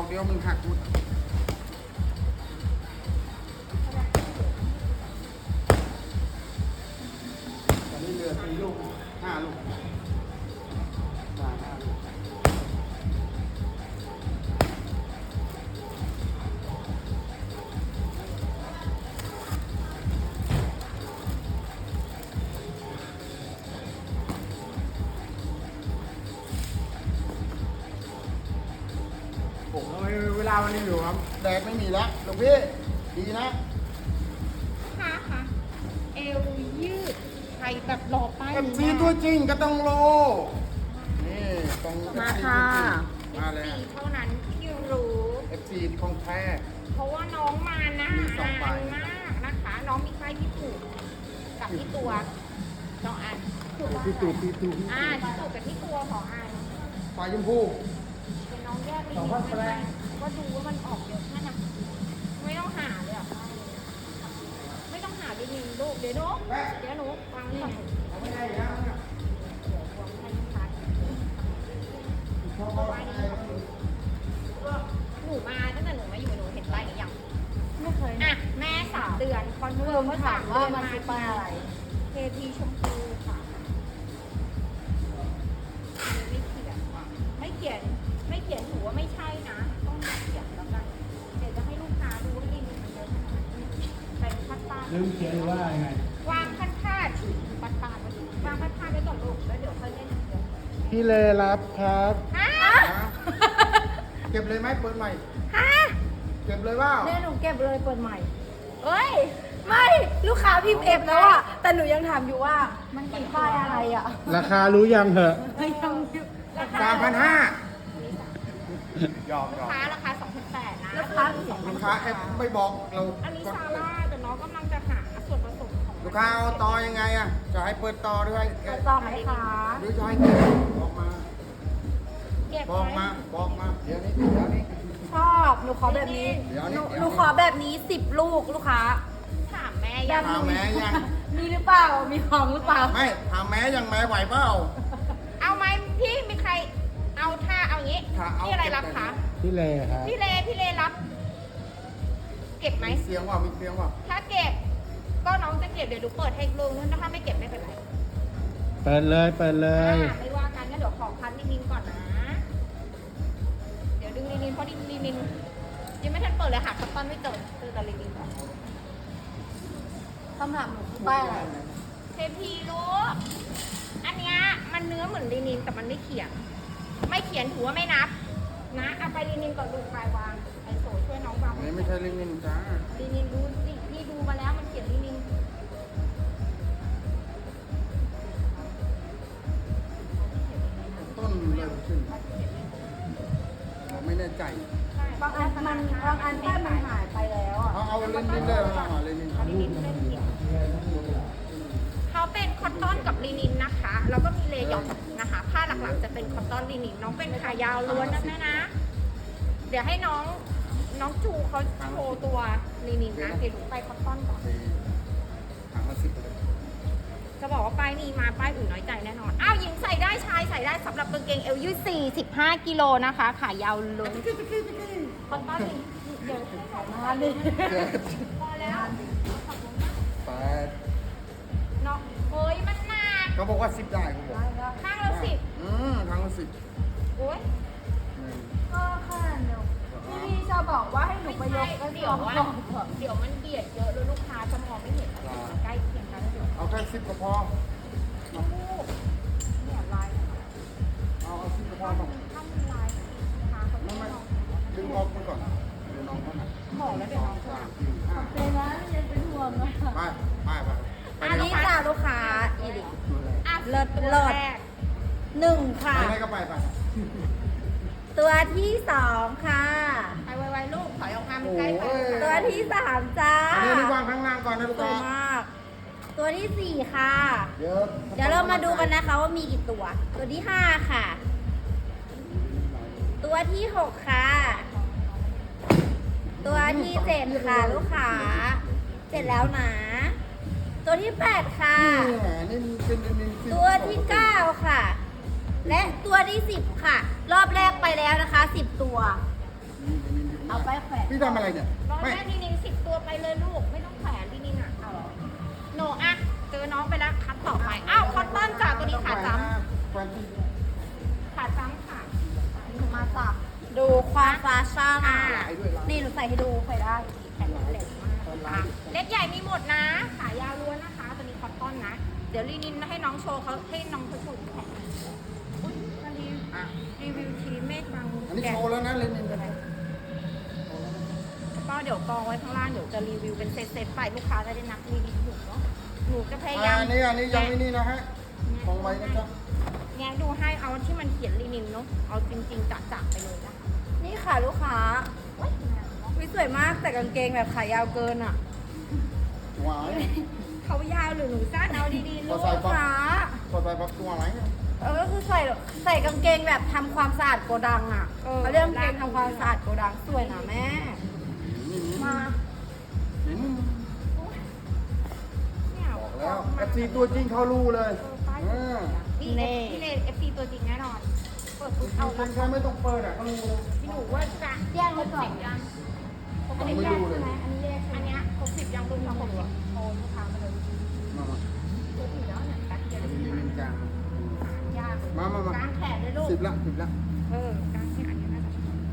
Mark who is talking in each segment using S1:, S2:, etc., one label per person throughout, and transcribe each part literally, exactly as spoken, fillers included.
S1: เดียวมันหักหมดตอนนี้เหลือสี่ลูกห้าลูกห้าห้าลูกผมก็ไม่เวลาวันนี้อยู่ครับแดดไม่มีแล้วหลวงพี่ดีนะ
S2: ค่ะค่ะเอวยืดใครแบบรอป้าย
S1: เอฟ
S2: นี้
S1: ซีตัวจริงก็ต้องโลนี่ต้อง
S3: มาค่ะ
S1: มาเลย
S2: สี่เท่านั้นที่รู้
S1: เอฟซีของแท้
S2: เพราะว่าน้องมาหน้า
S1: มีสองใบ
S2: นานมากนะคะ น้องมีไข้ที่ถูกกับที่ตัวสองอันถูกปะ
S1: พี่ตู่พี่ตู่
S2: อ่าที่ถูกกับที่ตัวสองอัน
S1: ไฟชมพู
S2: เป็นน้องแยกไป
S1: สองพันแปด
S2: ก็ดูว่ามันออกเยอะแค่ไหนไม่ต้องหาเลยอ่ะไม่ต้องหาดินินลูกเดี๋ยวหนูเดี๋ยวหนูวางก่อน
S1: เอาไม่ได้แล้วนะ
S2: เดี๋ยววางให้ลูกค้า
S1: ชอบเอาไป
S2: หนูมาตั้งแต่หนูมาอยู่หนูเห็นป้ายนี้ยัง
S3: ไม่เคย
S2: อ่ะแม่สามเดือนคอนเฟิร์มว่า
S3: ถา
S2: สาม ม
S3: ว่า
S2: เดือน
S3: มัน
S2: มา
S3: คือป้ายอะไร
S2: เทพีชมพูค่ะไม่เขียนไม่เขียนไม่เขียนถือว่าไม่ใช่นะ ต้องเขียนแล้วกันเดี๋ยวจะให้ลูกค้าดูว่าดีมันเยอะขนาดไหนเป็นพัดตา
S1: ลืมเขียนหรือว่ายังไง
S2: วางพัดพาดพัดพาดไว้ดิวางพัดพาดไว้ก่อนลูกแล้วเดี๋ยวค่อยเล่นอย่างเดียว
S1: พี่เลรับครับ
S2: ฮะ
S1: เก็บเลยไหมเปิดใหม่
S2: ฮะ
S1: เก็บเลยว่า
S3: เนี่ยหนูเก็บเลยเปิดใหม่
S2: เอ้ย
S3: ไม่ลูกค้าพิมพ์เอฟแล้วอะแต่หนูยังถามอยู่ว่ามันกี่ป้ายอะไรอะ
S1: ราคารู้ยังเหอะ
S3: ยัง
S1: สามพันห้า ยอมย
S2: ลู
S1: อก ม
S2: ค้าราคาสองพันแปดนะ
S3: ลูกค้า
S1: ลูกค้าแอปไม่บอกเรา
S2: อันนี้ซาร่าแต่น้องกำลังจะหาส่วนผสมของ
S1: ลูกค้าเอาต่อยังไงอ่ะ จะให้เปิดต่อด้วย
S3: จะต่อไหมคะ
S1: หรือจะให้เก็บบอกมา
S2: เก็บ
S1: บอก
S2: ไว้
S1: มา บอกมา เดี๋ยวนี้เดี๋ยวนี้
S3: ชอบหนูขอแบบนี้
S1: เดี๋ยว
S3: ห
S1: นี้
S3: นู
S1: เดี๋ยวนี้
S3: หนูขอแบบนี้สิบลูกลูกค้า
S2: ถามแม่
S3: แบ
S2: ยัง
S3: บหนู
S1: ถามแม่ยัง
S3: มีหรือเปล่ามีของหรือเปล่า
S1: ไม่ถามแม้ยังแม้ไหวเปล่า
S2: เอาไหมพี่มีใครเอาท่าเอางี้
S1: ถ้าเอา
S2: พี่อะไรรับคะ
S1: พี่เลครับ
S2: พี่เลพี่เลรับ เก็บไหม
S1: มีเสียงว่ามีเสียงว่า
S2: ถ้าเก็บ ก็น้องจะเก็บเดี๋ยวดูเปิดให้ลุงถ้าไม่เก็บไม่เป็นไร
S1: เปิดเลย เปิดเลย
S2: อ่าไม่ว่ากันงั้นเดี๋ยวขอคัดลินินก่อนนะ เดี๋ยวดึงลินินเพราะลินินยังไม่ทันเปิดเลยหาคัตตอนไม่เจอเจอแต่ลินินก่อน
S3: คำถามหนูคือป้ายอะไร
S2: เทพีลูกอันเนี้ยมันเนื้อเหมือนลินินแต่มันไม่เขียน ไม่เขียนถือว่าไม่นับ นะเอาไปลินินก่อนลูกไปวางไอโซช่วยน้องวาง
S1: อันนี้ไม่ใช่ลิงนินจ้า
S2: ลินินดูสินี่ดูมาแล้วมันเขียนลินิน
S1: ต้นเลยขึ้นผมไม่แน่ใจ
S3: บางอันมันบางอันป้ายมันหายไปแล้วอะ
S1: เอาเอาลินนินเลยเอาลินนิน
S2: เอาลินินเล่นเขียนเขาเป็นคอตตอนกับลินินนะคะ แล้วก็มีเลยองนะคะ ผ้าหลักๆจะเป็นคอตตอนลินิน น้องเป็นขายาวล้วนนะแม่นะ เดี๋ยวให้น้องน้องจูเขาโชว์ตัวลินินนะ เดี๋ยวหนูไปคอตตอนก่อน
S1: ถังละสิบเลย
S2: จะบอกว่าป้ายนี้มาป้ายอื่นน้อยใจแน่นอน อ้าวหญิงใส่ได้ชายใส่ได้สำหรับกางเกงเอวยืดสี่สิบห้ากิโลนะคะ ขายาวล้วนคอตตอนเดี๋ยวให้ขอมา
S3: มาดิ
S1: เจ็ด
S2: พอแล้วขอบคุณมาก
S1: แปด
S2: เนาะเฮ้ยมันหนัก
S1: เขาบอกว่าสิบได้เขาบอก
S2: ข้างละสิบ
S1: อืมถังละสิบ
S2: โอ้ย
S1: หนึ่ง
S3: ก็ขนาดเดียวพี่พี่ชอบบอกว่าให้หนูไปยกก็
S2: เดี๋
S3: ย
S2: ยว
S3: ก
S2: ว่า
S3: ก่อน
S2: เดี๋ยวมันเบียดเยอะแล้วลูกค้าจะมองไม่เห็นอะไรใกล้เคียงกันแล้วเดี๋ยว
S1: เอาแค่สิบก็พอ
S2: ลูกเนี่ยลาย
S1: เอาเอาสิบก็พอ
S2: ถ้า
S1: มา
S2: มันถ้ามันลายลูกค้าเขา
S1: ไม่
S2: ไม่
S1: ไม่
S2: มอง
S1: ดึงออกไปก่อนเดี๋ยวน้องเขาหนัก
S2: บอกแล้วเดี๋ยวน้อง
S1: ส
S2: จะ
S1: ามสี่ห้า
S3: เป็นนะยังเป็นห่วงนะ
S1: ไปไปไป
S3: อันนี้จ้าลูกค้าอีดิ
S2: อ่ะ
S3: เลิศ
S2: ตัว
S3: เลิศ
S2: แรก
S3: หนึ่งค่ะ
S1: ไปไหนก็ไปไป
S3: ตัวที่สองค่ะ
S2: ไปไวๆลูกถอยออกมามันใกล้ไป
S3: ตัวที่สามจ้า
S1: อันนี้นี่วางข้างล่างก่อนนะลูก
S3: สวย
S1: ค้าม
S3: าก ตัวที่สี่ค่ะ
S1: เดี๋ยว
S3: เดี๋ยวเรามาดูกันนะคะว่ามีกี่ตัว ตัวที่ห้าค่ะ ตัวที่หกค่ะ ตัวที่เจ็ดค่ะ ลูกค้าเจ็ดแล้วนะ ตัวที่แปดค่ะ
S1: นี่แหละนี่มันเป็นเป็นเป็น
S3: ตัวที่เก้าค่ะ และตัวที่สิบค่ะ รอบแรกไปแล้วนะคะสิบตัวเอาไปแขวน
S1: พี่ทำอะไรเนี่ย
S2: ลอง
S1: ไม่
S2: แม่ลีนินสิบตัวไปเลยลูก ไม่ต้องแขวนลีนินอ่ะเอาเหรอโนอ่ะเจอน้องไปแล้วคัดต่อไป อ้าวคอตตอนจากตัวนี้ขาจ้
S1: แฟนที่
S2: ำขาจ้ำค่ะ
S3: หนูมาสับดูความฟาชั่น
S2: อ่า
S3: นี่หนูใส่ให้ดูใส่ได้
S2: แขนเหล็กมากค่ะเล็กใหญ่มีหมดนะ ขายาวล้วนนะคะ ตัวนี้คอตตอนนะ เดี๋ยวลีนินให้น้องโชว์เขาให้น้องเขาโชว์แขนอุ๊ยมารีวิว
S1: อ่ะ
S2: รีวิวทีเมฆบาง
S1: อันนี้
S2: แดด
S1: โชว์แล้วนะเลนิน
S2: ก็เดี๋ยวกองไว้ข้างล่างเดี๋ยวจะรีวิวเป็นเซตๆไปลูกค้าจะได้นับรีวิวถูกเนาะหนูจะพยายาม
S1: อันนี้อันนี้ยังไม่นี่นะฮะของไว้นะครับ
S2: แงะดูให้เอาที่มันเขียนลีนินเนาะเอาจริงๆจัดๆไปเลยนะคะ
S3: นี่ค่ะลูกค้าวิสวยมากแต่กางเกงแบบขายาวเกินอ่ะ
S1: หวาย
S2: เขายาวหรือหนูสั้นเอาดีๆลู
S3: ลู
S2: ก
S3: กค้า
S1: พอใส่ปักตัวไหน
S3: เออก็คือใส่ใส่กางเกงแบบทำความสะอาดโกดังอ่ะเขาเรียกกางเกงทำความสะอาดโกดังสวยนะแม่
S1: นี่นี่
S3: มา
S1: อืม
S2: เนี่ย
S1: บอกแล้วเอฟซีตัวจริงเขารู้เลย
S2: เออป้าย
S1: เออ
S2: นี่นี่เลยเอฟซีตัวจริงแน่นอนเปิดปุ๊บ
S1: เอา
S2: เอา
S1: คนแค่ไม่ต้องเปิดอ่ะเขารู้เลย
S2: พี่หนูว่าจะ
S3: แยกไว้ก่อน
S2: ยัง
S3: อันนี้แยกใช่ไหมอันนี้แยกใช่
S2: อัน
S3: ไหม
S2: เนี้ยครบสิบยังลุงเราครบสิบโอ้ลูกค้ามาเลย
S1: มามา
S2: ครบสิบแล้วเนี่ยแป๊บเดียว
S1: อันนี้เลนกลาง
S2: ยาก
S1: มามามา
S2: กางแขนเลยลูก
S1: สิบละสิบละ
S2: เออกางแขนอันนี้น่าจะ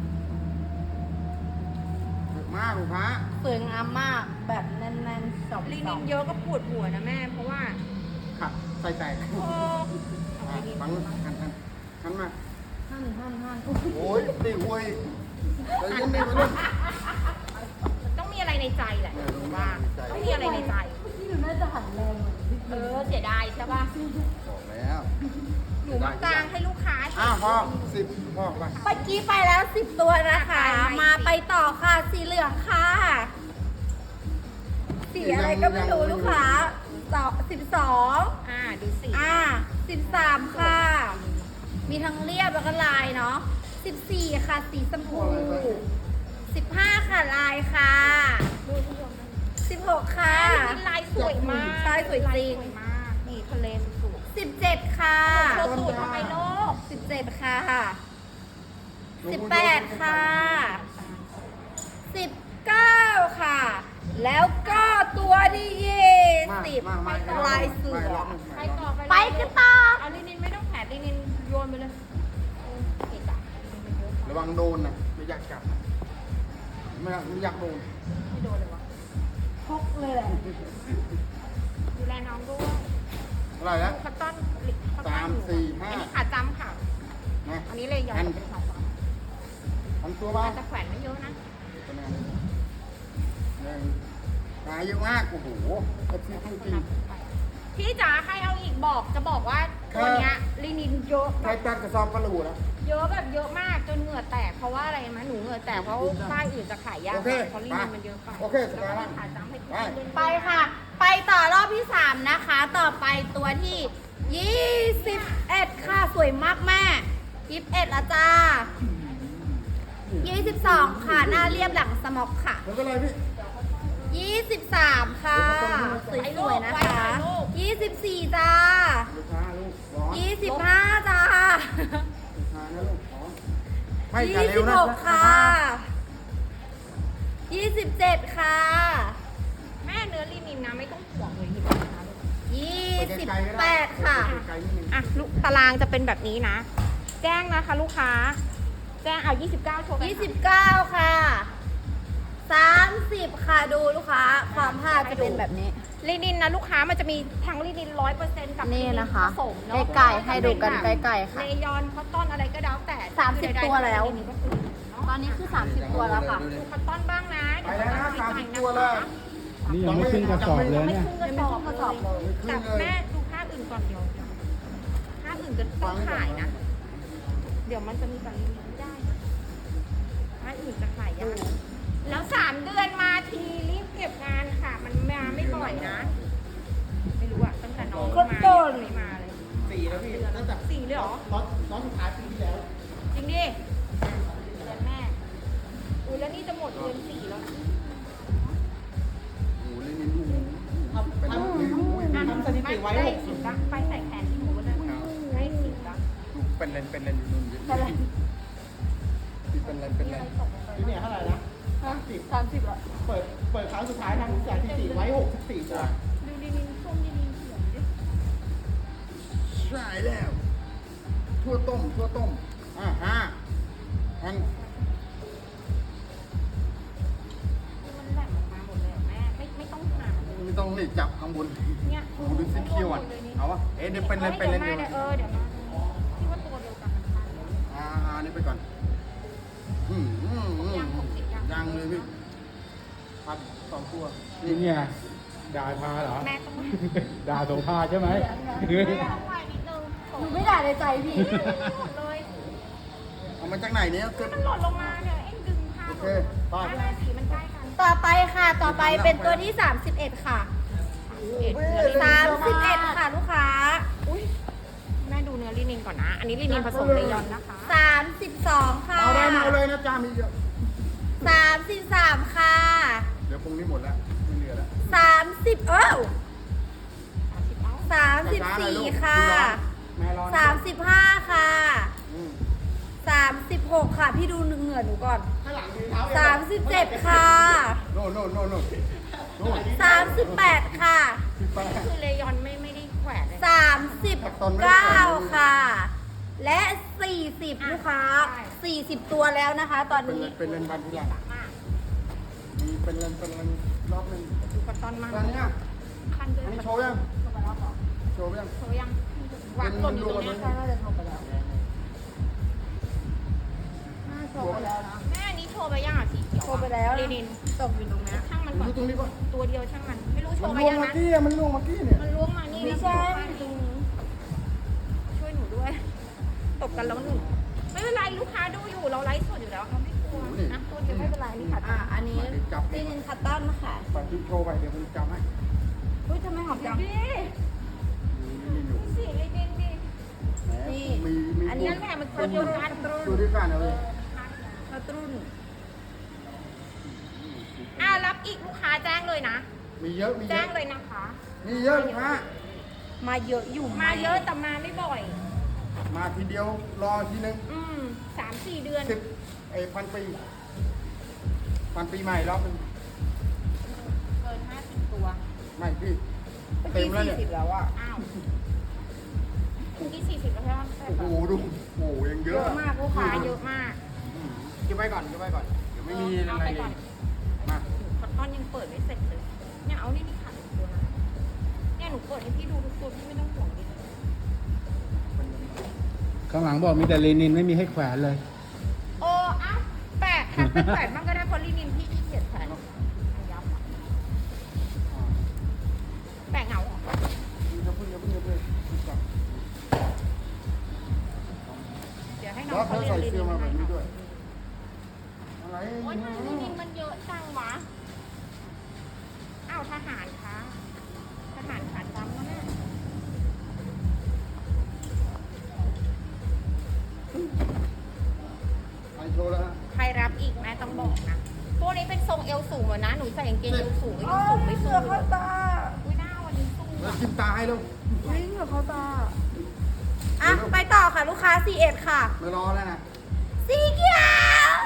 S1: มากลูกค้า
S3: สวยงามมากแบบแน่นๆสอง
S2: ลี
S3: ส
S2: นิ
S3: อง
S2: นเยอะก็ปวดหัวนะแม่ เพราะว่า
S1: ขัดใส่แตก
S2: โอ้เอา
S1: อ่ะ
S2: ลีนิน
S1: ฟังหันหันหันมา
S3: หั่นหั่นหั่น
S1: โอ้ยตีหวยแต่ยังไม่มาเล่น
S2: ต้องมีอะไรในใจแหละว่าต้องมีอะไรในใจ
S3: ที่หนูน่าจะหันแรงเหมือนพี่
S2: เออเสียดายใช่ป่ะ
S1: บอกแล้ว
S2: หนูมากางให้ลูกค้า
S1: อ้าวพอสิบพอไป
S3: เมื่อกี้ไปแล้วสิบตัวนะคะ มาไปต่อค่ะ สีเหลืองค่ะ สีอะไรก็ไม่รู้ลูกค้าสองสิบสอง
S2: อ่าดูสิ
S3: อ่าสิบสามค่ะ มีทั้งเรียบแล้วก็ลายเนาะสิบสี่ค่ะ สีชมพูสิบห้าค่ะลายค่ะ
S2: ดูที่ยม
S3: สิบหกค่ะ
S2: ลีนินลายสวยมาก
S3: ลายสวยจริง
S2: ลาสวยมากนี่ทะเลสวย
S3: สิบเจ็ดค่ะ
S2: โชว์สูตรทำไมโลก
S3: สิบเจ็ดค่ะสิบแปดค่ะสิบเก้าค่ะ แล้วก็ตัวที่ยี่สิบ
S1: มามามา
S3: ลายเสือ
S2: ไปต่อไป
S3: ไปกันต่อ
S2: เอาลีนินไม่ต้องแผลลีนินโยนไปเลยเออเกะกะลีนินมันเยอะ
S1: ระวังโดนนะไม่อยากจับนะไม่อยากไม่อยากโดน
S2: ไม่โดนเลยวะ
S3: พกเลยแหละ
S2: ดูแลน้องด้วย
S1: อะไรนะ
S2: คัตตอนคัตตอน
S1: สามสี่ห้า
S2: อันนี้ขาจำค่ะ
S1: นะ
S2: อันนี้เลยยาวเป็นสองฝั่ง
S1: ทำตัวบ้าง
S2: แต่แขวนไม่เยอะนะ
S1: เป็นไงหนึ่งหาเยอะมากโอ้โหเอฟซีจริง
S2: พี่จ๋าใครเอาอีกบอกจะบอกว่าตัวเนี้ยลีนินเยอะ
S1: ๆใครตัดกระสอบกระหลูนะ
S2: เยอะแบบเยอะมากจนเหงื่อแตกเพราะว่าอะไรมะหนูเหงื่อแตกเพราะป้ายอื่นจะขายยาก
S1: โอเค
S2: เพราะลีนินมันเยอะไป
S1: โอเคส
S2: แล้ว
S1: บาย
S2: ก็
S1: มาก
S2: ขาจำให้ทุก
S1: ไป
S2: คนเล่น
S3: ไปค่ะ ไปต่อรอบที่สามนะคะ ต่อไปตัวที่ยี่สิบเอ็ดค่ะ สวยมากแม่ยี่สิบเอ็ดละจ้ายี่สิบสองค่ะ หน้าเรียบหลังสม็อกค่ะ
S1: ไม่เป็นไรพี่
S3: ยี่สิบสามค่ะ สวยๆนะคะ ยี่สิบสี่จ้า
S1: ลูกค้าลูกร้อน
S3: ยี่สิบห้าจ้า
S1: ลูกค้านะลูกร้อนไม่จะ
S3: ยี่
S1: เร็
S3: สิ
S1: ว
S3: บ
S1: นะ
S3: หกค่ะ ยี่สิบเจ็ดค่ะ
S2: แม่เนื้อลีนินนะไม่ต้องห่วงเลยที่นะลูก
S3: ยี่สิบแปดค่ะ
S1: ไกลๆนิดนึง
S2: อ่ะลูกตารางจะเป็นแบบนี้นะ แจ้งนะคะลูกค้า แจ้งเอายี่สิบเก้าโชว์กัน
S3: ยี่สิบเก้าค่ะ สามสิบค่ะดูลูกค้า ความผ้าจะเป็นแบบนี้
S2: ลีนินนะลูกค้ามันจะมีทั้งลีนินร้อยเปอร์เซ็นต์กับ
S3: นี่นะคะ
S2: ผสมเนาะ
S3: ใกล้ๆให้ดูกันใกล้ๆค่ะ
S2: เลยอนคอตตอนอะไรก็แล้วแต่
S3: สามสิบ
S2: คือใดๆ
S3: ตัวแล้ว
S2: ลีนินก็คือเนาะ
S3: ตอนนี้คือ สามสิบ ตัวแล้วค่ะ
S2: ดูคอตตอนบ้างนะ
S1: ไปแล้วนะสามสิบตัว
S2: แล้
S1: แล้ว ว
S4: นี่ยังไม่ขึ้นกระสอบเลย
S2: ไม่
S4: เนี่ย
S2: ขึ้นกระสอบ
S3: ยังไม่ขึ้นกระสอบเลย
S2: แต่แม่ดูค่าอื่นก่อนเดี๋ยวค่าอื่นจะต้องขายนะ เดี๋ยวมันจะมีกับลีนินไม่ได้นะค่าอื่นจะขายยากแล้วสามเดือนมาทีรีบเก็บงานค่ะ มันมาไม่บ่อยนะ ไม่รู้อะตั้งแต่น้อง
S3: คน
S2: มา
S3: โดน
S2: ไม่มาเลย
S1: สี่แล้วพี่ตั้งแต่
S2: สี่เลยเหรอ
S1: ร้อนร้อนสุดท้ายปีที่แล้ว
S2: จริงดิเดือนแม่อุ้ยแล้วนี่จะหมดเดือนสี่แล้วนะ
S1: โอ้โหเล่นนินดูเป็นลูกนี่ดู
S2: อ่ะทำสถิติไว้หกสิบละไปใส่แขนที่หนูเลยให้สิบละ
S1: เป็นเลนเป็นเลนอยู่นู่นเยอะที่เป็นเลนเป็นเลน
S2: มีอะไรตกลงไป
S1: ที่เนี่ยเท่าไหร่นะห้าสิบ
S3: สามสิบละ
S1: เปิดเปิดครั้งสุดท้ายทำสถิติไว้หกสิบสี่ตัว
S2: ดูลินินส้มลินินเขียวดิ
S1: ใช่แล้วทั่วต้มทั่วต้มอ่าฮะอัน
S2: มันแหลมออกมาหมดเลยอะแม่ไม่ไม่ต้องผ่าเลย
S1: ไม่ต้องนี่จับข้างบน
S2: เนี่ย
S1: โอ้โหดูสิเคี้ยวอ่ะเอาวะเอ๊ะเดี๋ยวเป็นเลยเป็นเลย
S2: เดี๋ยวมา
S1: เดี๋ยว
S2: เดี๋ยวเออเดี๋ยวมาที่ว่าตัวเดียวกันมันพันเลย
S1: อ่าอ่านี่ไปก่อนอืมอืมอืม
S2: ยังหกสิบยัง
S1: ยังเลยพี่พัดสองตัว
S4: นี่เนี่ยด่าพาเหรอ
S2: แม่ต้อง
S4: ด่าโสภาใช่ไหม
S2: ไม่ต้องไหวนิดนึง
S3: หนูไม่ด่าในใจพี่
S2: หมดเลย
S1: เอามาจากไหนเนี่ยเกิด
S2: มันหล่นลงมาเนี่ยเอ็งดึงผ้า
S1: โอเคไป
S2: ผ้าสีมันใกล้กัน
S3: ต่อไปค่ะ ต่อไปเป็นตัวที่ สามสิบเอ็ด ค่ะ
S2: เอ็ด
S3: สามสิบเอ็ด ค่ะลูกค้า
S2: อุ้ยแม่ดูเนื้อลินินก่อนนะ อันนี้ลินินผสมเลยอนนะคะ
S3: สามสิบสอง ค่ะ
S1: เอาได้มาเอาเลยนะจ้ามีเยอะ
S3: สามสิบสาม ค่ะ
S1: เดี๋ยวพรุ่งนี้หมดแล้วไม่เหลือแล้ว
S3: สามสิบเอ้า
S2: สามสิบเอ้า
S3: สามสิบสี่ ค่ะ
S1: แม่ร้อน
S3: สามสิบห้า ค่ะ
S1: อืม
S3: สามสิบหก ค่ะ พี่ดูเหงื่อหนูก่อน
S1: ข้างหลังมีเท้า
S3: สามสิบเจ็ด ค่ะ
S1: โน่นโน่นโน่นโน่นโน่น
S3: สามสิบแปด ค่ะ
S1: สิบแปด
S2: คือเลยอนไม่ไม่ได้แขวนเลย
S3: สามสิบเก้า ค่ะ และสี่สิบลูกค้าสี่สิบตัวแล้วนะคะ ตอน
S1: เป็น
S3: นี้
S1: เลนเป็นเลนบันทุกอย่าง
S2: มาก
S1: มีเป็นเลนเป็นเลนรอบหนึ่ง
S2: ดูคอตตอนมาก
S1: ตอนนี้อ่ะ
S2: คันด้วย
S1: อันนี้โชว์ยังโชว์ยัง
S2: โชว์ยังวางหล่นอยู่ตรงเนี้ย
S3: น่าจะโทรไปแล้วน่าโทรไปแล้วนะ
S2: แม่อันนี้โชว์ไปยังอ่ะสีเขียว
S3: โทรไปแล้ว
S2: ลินิน
S3: ตกอยู่ตรงนี้
S2: ช่างมันก่อน
S1: ดูตรงนี้ป่ะ
S2: ตัวเดียวช่างมัน ไม่รู้โช
S1: มัน
S2: ว์ไป
S1: ล่วง
S2: ยัง
S1: เมื่อ
S2: นะ
S1: กี้อ่ะมันล่วงเมื่อกี้เนี่ย
S2: มันล้วงมานี่
S3: ไม่
S2: นะ
S3: ใช่
S2: ตรงนี้ช่วยหนูด้วย ตบกันแล้วหนึ่งไม่เป็นไรลูกค้าดูอยู่เราไลฟ์สดอยู่แล้วเราไม่กลัวนะตัวเดียวไม่เป็นไรนี่ค่ะ
S3: อ่ะอันนี้ตีนินคัตตันค่ะ
S1: ปัดจุดโชว์ไปเดี๋ยวมันจำให้
S3: เฮ้ยทำไมหอมจัง
S2: ดิ
S1: มีอยู่
S2: สีลินินดิ
S1: แหม
S3: นี่
S1: มีมี
S3: อันนี้
S2: นั่นแหละมันตัวเดียวกัน
S1: ดูด้วยกันเอาเลย
S3: กระตุ้น
S2: อ่ารับอีกลูกค้าแจ้งเลยนะ
S1: มีเยอะมีเย
S2: แจ้
S1: อะ
S2: งเลยนะคะ
S1: มีเยอะลูกค้า
S3: มาเยอะอยู่
S2: มาเยอะแต่มาไม่บ่อย
S1: มาทีเดียวรอทีนึง
S2: อืมสามสี่เดือน
S1: สิบไอ้พันปีพันปีใหม่รอบนึง
S2: เกินห้าสิบตัว
S1: ไม่พี่
S3: เมื่อ
S1: เต็
S3: กี้
S1: มแล้ว
S3: สี่
S1: เนี่ย
S3: สิบแล้วอ่ะ
S2: อ้าวเมื่อกี้สี่สิบแล้วใช่ไหม
S1: โอ้โหดูโอ้โหยังเย
S3: เย
S1: อะ
S3: อะมากลูกค้า
S2: ขาเยอะมาก
S1: อืมเก็บไว้ก่อนเก็บไว้ก่อนเดี๋ยวไม่มี
S2: เอา
S1: อะไร
S2: ไป
S1: เล
S2: ก่อน
S1: ยมา
S2: คอตตอนยังเปิดไม่เสร็จเลย เนี่ยเอานี่นี่ขาดอีกตัวนะเนี่ยหนูเปิดให้พี่ดูทุกตัวพี่ไม่ต้องห่วงดิ
S4: ข้างหลังบอกมีแต่เลนินไม่มีให้แขวนเลย
S2: โอ้อ้าวแปะแท็กไปแปะบ้างก็ได้เพราะลินินพี่ขี้เกียจแขวนยับอะแปะเหงาเหรอ
S1: อย่าเพิ่งอย่าเพิ่งอย่าเพิ่งก่อน
S2: เดี๋ยวให้น้
S1: แล้
S2: อ
S1: ว
S2: ง
S1: เขา
S2: เขาเรีย
S1: ใส่
S2: นลิ
S1: เสื้
S2: นิ
S1: อนมาแบบ
S2: ให้
S1: นี้ด้วยอะไร
S2: โอ๊ยทำไมลินินมันเยอะจังวะ อ้าวทหารคะทหารขาดจำแล้วแม่
S1: ไอโชว์แล้วฮะ
S2: ใครรับอีกแม่ต้องบอกนะพวกนี้เป็นทรงเอวสูงเหรอนะ หนูใส่กางเกงเอวสูงก็ยังสูงไม่สูงเลยอุ้ยหน้าวันนี้สูง
S1: แล้ว
S2: อะ
S1: จิ้มตาให้ลูก
S3: วิ่งกับเขาตา อ่ะ ไปต่อค่ะลูกค้าสี่เอ็ดค่ะ
S1: ไม่รอแล้วนะ
S3: สีเขียว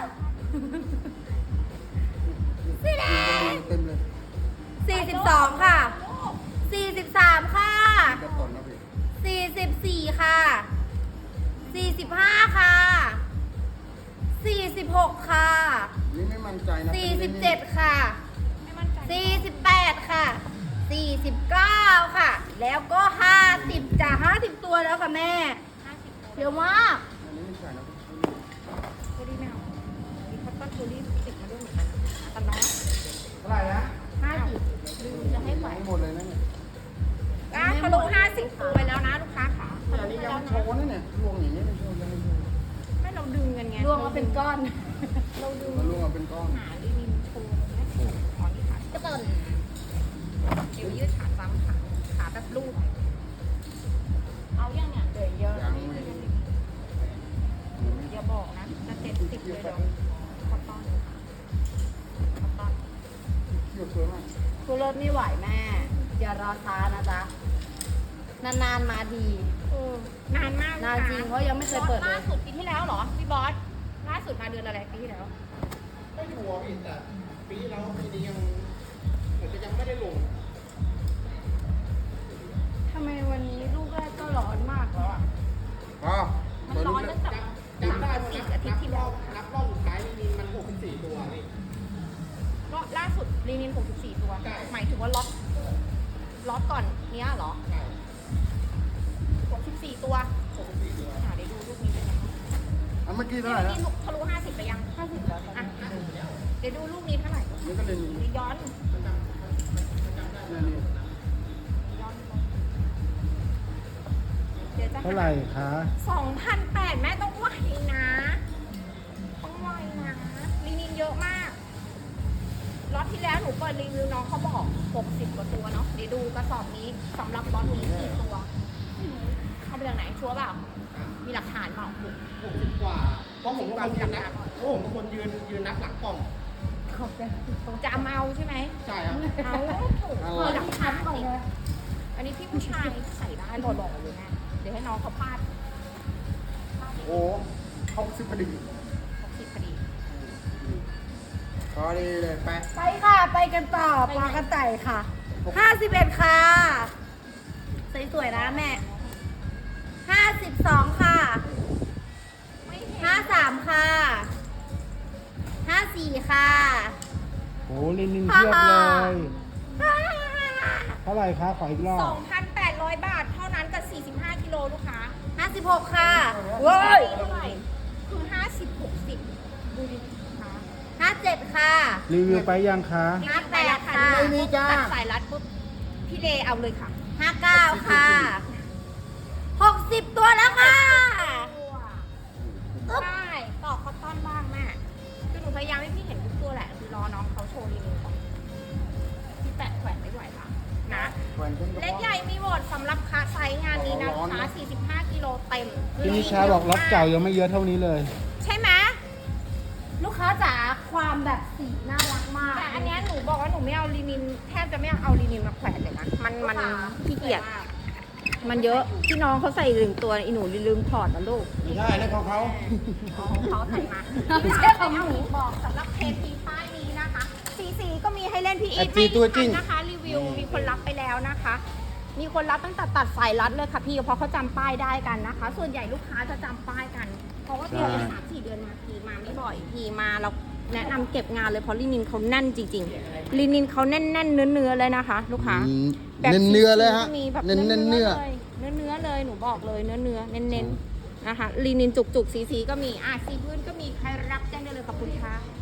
S3: สีแดง
S1: เต็มเลย
S3: สี่สิบสองค่ะสี่สิบสามค่ะ
S1: จะต่นนะพี่
S3: สี่สิบสี่ค่ะสี่สิบห้าค่ะสี่สิบหกค่ะ
S1: นี่ไม่มั่นใจนะ
S3: สี่สิบเจ็ดค่ะ
S2: ไม่มั่นใจ
S3: สี่สิบแปดค่ะสี่สิบเก้าค่ะ แล้วก็ห้าสิบจ้ะห้าสิบตัวแล้วค่ะแม่
S2: ห้าสิบ
S3: เยอะมาก
S1: อันนี้ไม่ใช่นะ
S2: ตัวดีแมวมีคอตตอนตัวรีติดมาด้วยเหมือนกันนะแต่น้อง
S1: เท่าไหร่นะ
S3: ห้าสิบ
S2: ลืมจะให้ไหว
S1: ทั้งหมดเลยนะเนี่ย
S2: อ่ะทะลุห้าสิบตัวไปแล้วนะลูกค้าขาทะ
S1: อัน
S2: ลุ
S1: นี้
S2: ไป
S1: ยัง
S2: แล้ว
S1: ไม่โช
S2: นะ
S1: ว์นะเนี่ยรวงอย่างนี้ไม่โชว์ยังไม่โชว์
S2: ไม่เราดึงกันไง
S3: รวมมาเป็นก้อน
S2: เราดึง
S1: มันรวงมาเป็นก้อน
S2: หาลินินโชว์ไม่โชว์อ๋อนี่ขา
S3: ก็ต้น
S2: เดี๋ยวยืดขาซ้ำขาขาแบบลูกเอายังเนี่ยเดี๋ยวเยอะ
S1: ยังไม่
S2: อย่าบอกนะจะเจ็ดสิบเลยเดี๋ยวคอตตอนคอตตอน
S1: เกี่ยวสวยมาก
S3: กูรถไม่ไหวแม่ อย่ารอช้านะจ๊ะ นานๆมาที
S2: เออนานมาก
S3: นานจริงเพราะยังไม่เคยเปิดเลย
S2: ล่าสุดปีที่แล้วเหรอพี่บอสล่าสุดมาเดือนอะไรปีที่แล้ว
S1: ไม่ชัวร์พี่แต่ปีที่แล้วปีนี้ยังเหมือนจะยังไม่ได้ลง
S3: ทำไมวันนี้ลูกแรกก็ร้อนมากแล้วอ่ะ
S1: อ๋อ
S2: มันร้อนตั้งแต่
S1: จำได้
S2: สี่
S1: ว่า
S2: อาทิตย์ที่แล้ว
S1: นับรอบสุดท้ายนี่มันหกสิบสี่ตัวนี่
S2: รอบล่าสุดลีนินหกสิบสี่ตัว
S1: ใช่
S2: หมายถึงว่าล็อตล็อตก่อนเนี้ยเหรอ
S1: ใช่
S2: หกสิบสี่ตัว
S1: หกสิบสี่ตัว
S2: อ่ะเดี๋ยวดูรูปนี้เป็นยังไง
S1: อันเมื่อกี้เท่าไหร่นะ
S2: นี่ทะลุห้าสิบไปยังห้าสิบแล้วอ่ะเดี๋ยวดูรูปนี้เท่าไหร่
S1: นี่ก็เลยมี
S2: เดี๋ยวย้อน
S1: นี่นี่
S2: ย้อนเดี๋ยวจะ
S4: เท่าไหร่คะ
S2: สองพันแปดแม่ต้องไวนะต้องไวนะลีนินเยอะมากล็อตที่แล้วหนูเปิดรีวิวน้องเขาบอกหกสิบกว่าตัวเนาะเดี๋ยวดูกระสอบนี้สำหรับล็อตนี้กี่ตัวเอาไปจากไหนชัวร์เปล่ามีหลักฐานเปล่า
S1: หกสิบกว่าเพราะผมเป็นคนยืนนับเพราะผมเป็นคนยืนยืนนับหลังกล่อง
S2: จะเอาเอาใช่ไหม
S1: ใช่ครับ
S2: เอาถูก
S1: เอา
S2: เปิดหลักฐานก่อนเลยอันนี้พี่ผู้ชายใส่ได้หล่อๆเลยแม่เดี๋ยวให้น้องเขาพาด
S1: โอ้หกสิบพอดี
S2: หกสิบพอดี
S1: พอดีเลยไป
S3: ไปค่ะ ไปกันต่อปลากระต่ายค่ะห้าสิบเอ็ดค่ะ สวยๆนะแม่ห้าสิบสองค่ะ
S2: ไม่เห็น
S3: ห้าสามค่ะห้าสี่ค่ะ
S4: โอ้ลินินเทียบเลย เท่าไหร่คะขออีกรอบ
S2: สองพันแปดร้อยบาทเท่านั้นกับสี่สิบห้ากิโลลูกค้า
S3: ห้าสิบหกค่ะ
S2: เว้ยเท่าไหร่คือห้าสิบหกสิบดูดิลูกค้า
S3: ห้าเจ็ดค่ะ
S4: รีวิวไปยังคะ
S2: ห้าแปดค่ะ
S1: ไม่มีจ้า
S2: ตัดสายรัดปุ๊บพี่เลเอาเลยค่ะ
S3: ห้าเก้าค่ะหกสิบตัวแล้วค่ะ
S2: ใช่ต่อคอตตอนบ้างแม่คือหนูพยายามให้พี่เห็นทุกตัวแหละคือรอน้องเขาโชว์รีวิวก่อนพี่แปะแขวนไม่ไหวค่ะนะ
S1: แขวนขึ้นกระ
S2: เล็ก
S1: เพาะ
S2: ใหญ่มีหมดสำหรับคาไซส์งานนี้นะ
S1: ร้
S2: ลู
S1: อก นๆ
S2: ค้า
S1: นะ
S2: สี่สิบห้ากิโลเต็ม
S4: พี่นิชาบอกล็อตเก่ายังไม่เยอะเท่านี้เลย
S2: ใช่ไหม
S3: ลูกค้าจ๋าความแบบสีน่ารักมาก
S2: แต่อันเนี้ยหนูบอกว่าหนูไม่เอาลีนินแทบจะไม่เอาลีนินมาแขวนเลยนะมันมันขี้เกียจมันเยอะพี่น้องเขาใส่ลืมตัวอีหนูลืมถอดนะลูก
S1: ไม่ใช่นะของเขา
S2: ของเขาใส่มา
S3: ไม่ใช่ของหนู
S2: บอกสำหรับเทปีป้ายนี้นะคะ สีสีก็มีให้เล่นพี่อี
S1: แอ
S2: ท
S1: ดจีตัวจริง
S2: ไม่ทันนะคะ รีวิวมีคนรับไปแล้วนะคะ มีคนรับตั้งแต่ตัดสายรัดเลยค่ะพี่เพราะเขาจำป้ายได้กันนะคะ ส่วนใหญ่ลูกค้าจะจำป้ายกัน เพราะว่าเดือนละ
S4: ใช่
S2: สามสี่เดือนมาทีมาไม่บ่อยทีมาเราแนะนำเก็บงานเลยเพราะลินินเขาแน่นจริงๆลินินเขาแน่นๆเนื้อเนื้อๆเลยนะคะ ลูกค้า แบบ
S1: เน้นเนื้อเลยฮะ
S2: ก็มีแบบ
S1: เน้นเน้นเนื้อ
S2: เลยเนื้อเนื้อเลยหนูบอกเลยเนื้อเนื้อเน้นเน้นๆนะคะลีนินจุกจุกสีสีๆก็มีอ่ะสีพื้นก็มีใครรับแจ้งได้เลยขอบคุณค่ะ